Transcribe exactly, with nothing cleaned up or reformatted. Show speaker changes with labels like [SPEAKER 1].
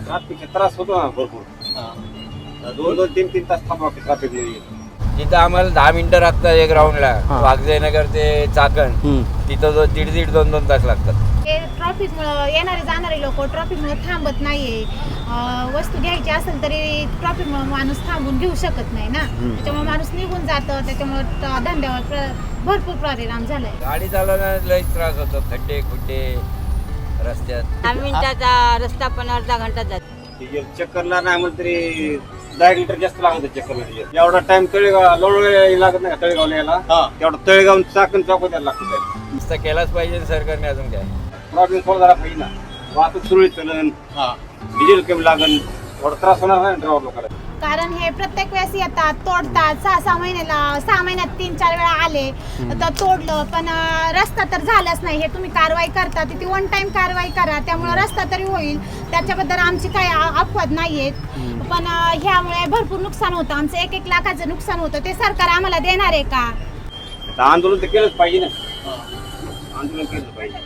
[SPEAKER 1] ट्रॅफिकचा त्रास होतो ना भरपूर. दोन दोन तीन तीन तास थांबावं लागते ट्रॅफिक मध्ये.
[SPEAKER 2] तिथं आम्हाला दहा मिनिटं लागतात एक राऊंडला. वाघजयनगर ते चाकण तिथं जो दीड दीड दोन दोन तास लागतात.
[SPEAKER 3] ट्रॉफिकमुळं येणारे जाणारे लोक ट्रॉफिकमुळे थांबत नाहीये. वस्तू घ्यायची असेल तरी ट्रॉफिकमुळे माणूस थांबून घेऊ शकत नाही ना. त्याच्यामुळे माणूस निघून जातं. त्याच्यामुळे धंद्यावर भरपूर परिणाम झालाय.
[SPEAKER 2] गाडी चालवण्यात लई त्रास होतो. खड्डे खुड्डे रस्त्यात.
[SPEAKER 4] दहा मिनिटाचा रस्ता पण अर्धा घंटा जातो.
[SPEAKER 1] चक्करला नाही म्हणलं तरी दहा लिटर जास्त लागत चक्करला. एवढा टाइम तळेगाव लोळ लागत नाही का तळेगावला यायला. तेवढा तळेगाव चाकण चौक द्यायला लागतं.
[SPEAKER 2] नुसतं केलाच पाहिजे सरकारने. अजून काय
[SPEAKER 1] प्रॉब्लेम सॉल्व झाला पाहिजे ना. वाहतूक सुरळीत चलन, डिझेल कमी लागन, थोडा त्रास होणार नाही ड्रायव्हर लोकांना.
[SPEAKER 3] कारण हे प्रत्येक वेळेस येतात तोडतात. सहा सहा महिन्याला सहा महिन्यात तीन चार वेळा आले तर तोडलं. पण रस्ता तर झालाच नाही. हे तुम्ही कारवाई करता ती वन टाइम कारवाई करा. त्यामुळे रस्ता तरी होईल. त्याच्याबद्दल आमची काही अपवाद नाहीयेत. पण ह्यामुळे भरपूर नुकसान होतं. आमचं एक एक लाखाचं नुकसान होतं. ते सरकार आम्हाला देणार आहे का?
[SPEAKER 1] आंदोलन तर केलंच पाहिजे ना. आंदोलन केलं पाहिजे.